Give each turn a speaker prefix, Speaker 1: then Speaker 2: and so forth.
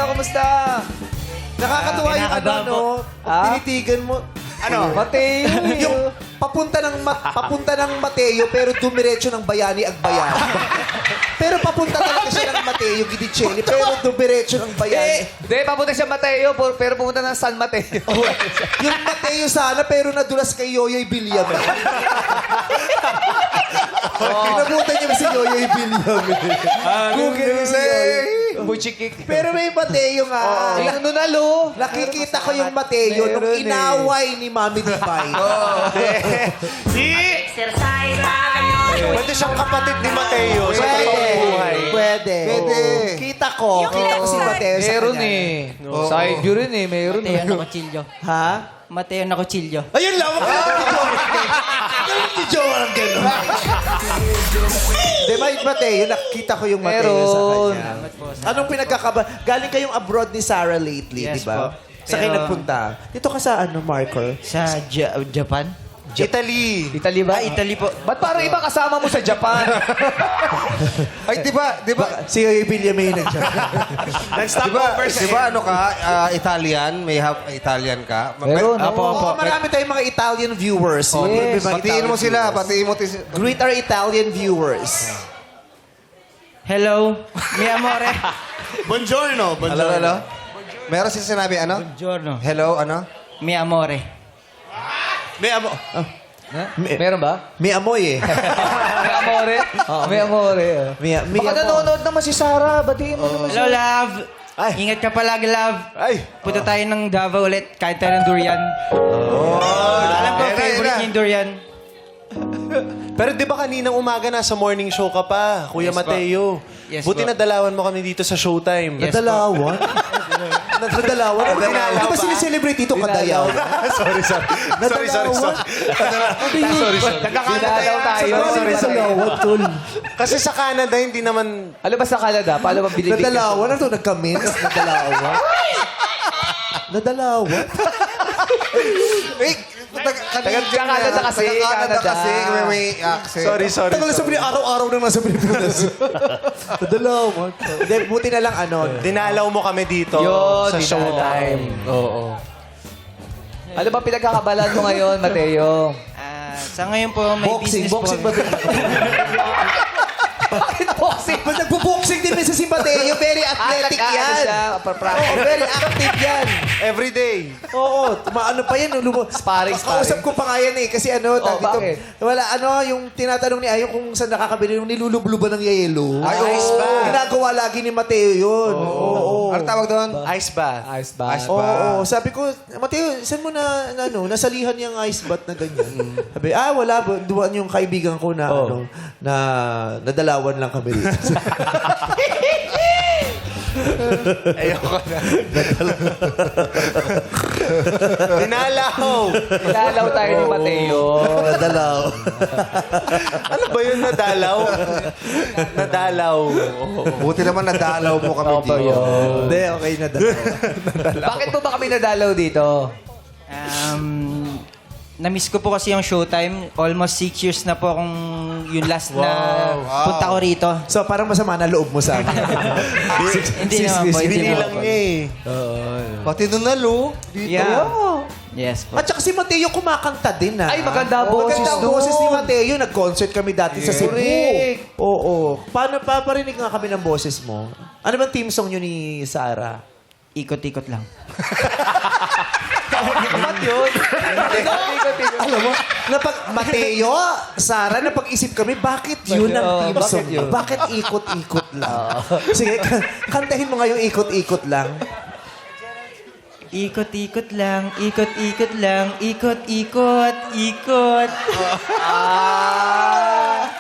Speaker 1: kumusta?
Speaker 2: Nakakatuwa yung ano,
Speaker 3: kinakabahan
Speaker 2: no? Pag tinitigan mo.
Speaker 1: Ano? Mateo.
Speaker 2: Yung papunta ng Mateo pero dumiretso ng Bayani Agbayani. Pero papunta talaga siya ng Mateo Gidicelli pero dumiretso ng Bayani.
Speaker 1: Hindi, papunta siya Mateo, pero pumunta ng San Mateo.
Speaker 2: Oh, yung Mateo sana pero nadulas kay Yoyoy Bilyam. Kinabutan niya si Yoyoy Bilyam. Google niya si Yoyoy.
Speaker 1: Buchikik.
Speaker 2: Pero may Mateo nga.
Speaker 1: Yung nunalo.
Speaker 2: Nakikita ko yung Mateo nung inaway ni Mami Divine.
Speaker 4: Exercise tayo.
Speaker 5: Pwede siyang kapatid ni Mateo sa totoong buhay.
Speaker 2: Pwede. Kita ko si Mateo sa
Speaker 1: Meron
Speaker 2: kanya.
Speaker 1: eh. Side view rin eh. Meron
Speaker 3: Mateo
Speaker 1: eh.
Speaker 3: na kutsilyo.
Speaker 2: Ha?
Speaker 3: Mateo na kutsilyo.
Speaker 2: Ayun lang, wag ka ni Jowa ng gano'n. Di ba yung Mateo, nakita ko yung Mateo sa
Speaker 1: Meron.
Speaker 2: kanya.
Speaker 3: Salamat po.
Speaker 2: Anong pinagkakaba? Galing kayong abroad ni Sarah lately,
Speaker 3: Yes
Speaker 2: di ba?
Speaker 3: po.
Speaker 2: Sa kayo
Speaker 3: Pero-
Speaker 2: nagpunta. Dito ka sa Marker?
Speaker 3: Sa Japan?
Speaker 5: Italy.
Speaker 1: Italy ba?
Speaker 3: Italy po.
Speaker 1: Ba't parang iba kasama mo sa Japan?
Speaker 5: Ay, di ba?
Speaker 2: Si Yoyoy Bilyam may nag
Speaker 5: Di ba ano ka, Italian? May half Italian ka?
Speaker 1: Meron.
Speaker 2: Oo, marami tayong mga Italian viewers. May mga
Speaker 5: Patiin mo
Speaker 2: Italian
Speaker 5: sila.
Speaker 2: viewers.
Speaker 5: Patiin mo.
Speaker 2: Greet our Italian viewers.
Speaker 3: Hello, mi amore.
Speaker 5: Buongiorno. Hello. Meron siya sinabi, ano?
Speaker 3: Buongiorno.
Speaker 5: Hello, ano?
Speaker 3: Mi amore.
Speaker 2: May amo...
Speaker 1: Meron ba?
Speaker 2: May amoy eh.
Speaker 1: May amore? May amore.
Speaker 2: May
Speaker 1: Baka nanonood naman si Sarah. Batiin mo naman siya.
Speaker 3: Hello, love.
Speaker 2: Ay.
Speaker 3: Ingat ka palagi, love.
Speaker 5: Ay.
Speaker 3: Punta tayo ng Davao ulit. Kain tayo ng durian. Alam ko,
Speaker 5: Era,
Speaker 3: favorite
Speaker 5: era.
Speaker 3: niya yung durian.
Speaker 6: Pero di ba kaninang umaga nasa morning show ka pa, Kuya
Speaker 3: Yes,
Speaker 6: Mateo?
Speaker 3: Yes,
Speaker 6: Buti
Speaker 3: po.
Speaker 6: nadalawan mo kami dito sa Showtime.
Speaker 3: Yes,
Speaker 2: Nadalawan? Nadalawan? Ano ba
Speaker 6: Nadalaw
Speaker 2: Di ba
Speaker 6: ba?
Speaker 2: sineselebrate ito kadayaw?
Speaker 6: sorry.
Speaker 2: Nadalawan?
Speaker 1: Nagkakadalaw tayo.
Speaker 2: Nadalawan, tol.
Speaker 6: Kasi sa Canada, hindi naman...
Speaker 1: Ano ba sa Canada? Paano ba binibig?
Speaker 2: Nadalawan? Ano ito? Nagka-mins? Nadalawan? Nadalawan?
Speaker 1: Canada kasi.
Speaker 5: Canada kasi.
Speaker 1: Canada.
Speaker 5: May accent.
Speaker 6: Sorry.
Speaker 2: Tagal na sa araw-araw nang nasa Pilipinas. Nadalawan. Hindi, buti na lang ano.
Speaker 6: Dinalaw mo kami dito
Speaker 1: Yun,
Speaker 6: sa Showtime.
Speaker 1: Oo. Ano ba pinagkakabalan mo ngayon, Mateo?
Speaker 3: Sa ngayon po, may
Speaker 2: Boxing.
Speaker 3: business
Speaker 2: Boxing
Speaker 3: po.
Speaker 2: ba ito?
Speaker 1: Bakit boxing?
Speaker 2: Ba't nagbo-boxing din sa si Mateo? Very athletic yan. Oo, very active yan.
Speaker 6: Every day.
Speaker 2: Oo, ano pa yan?
Speaker 1: Sparring.
Speaker 2: Kausap ko pa nga yan eh. Kasi ano,
Speaker 1: Oh,
Speaker 2: dito,
Speaker 1: bakit?
Speaker 2: wala, yung tinatanong ni Ayo kung saan nakakabili yung nilulubluban ng yelo.
Speaker 5: Ay,
Speaker 6: Ice bath.
Speaker 2: Ginagawa lagi ni Mateo yun. Oo.
Speaker 5: Ano tawag doon?
Speaker 6: Ice bath.
Speaker 1: Ice bath.
Speaker 5: Ice bath.
Speaker 2: Oo, sabi ko, Mateo, saan mo nasalihan yung ice bath na ganyan? Sabi, wala. Duwan yung kaibigan ko na, na nadalawan lang kami dito.
Speaker 6: Ayoko na. Dinalaw.
Speaker 1: Ilalaw tayo ni Mateo.
Speaker 2: Nadalaw.
Speaker 6: Ano ba yun? Nadalaw.
Speaker 5: Buti naman nadalaw mo kami
Speaker 1: Opo,
Speaker 5: dito.
Speaker 1: yun.
Speaker 2: Hindi, okay, nadalaw.
Speaker 1: Bakit po ba kami nadalaw dito?
Speaker 3: Na-miss ko po kasi yung Showtime. Almost 6 years na po akong yung last na punta ko rito.
Speaker 2: So, parang masama na loob mo sa akin.
Speaker 3: Hindi naman po, hindi
Speaker 6: Binilang
Speaker 3: naman po.
Speaker 6: niya eh.
Speaker 5: Pati doon na, Lu.
Speaker 3: Yeah. Yes po.
Speaker 2: At saka si Mateo kumakanta din,
Speaker 1: Ay, maganda boses
Speaker 2: Maganda ang
Speaker 1: doon.
Speaker 2: boses ni Mateo. Nag-concert kami dati sa Cebu.
Speaker 1: Correct.
Speaker 2: Oo. Paano, paparinig nga kami ng boses mo. Ano bang team song yun ni Sarah?
Speaker 3: Ikot-ikot lang.
Speaker 1: Ba't yun?
Speaker 2: Alam mo, Mateo, Sarah, napag-isip kami, bakit yun ang team
Speaker 1: bakit
Speaker 2: song?
Speaker 1: yun?
Speaker 2: Bakit ikot-ikot lang? Sige, kantahin mo nga yung ikot-ikot lang.
Speaker 3: Ikot-ikot lang, ikot-ikot lang, ikot-ikot, ikot.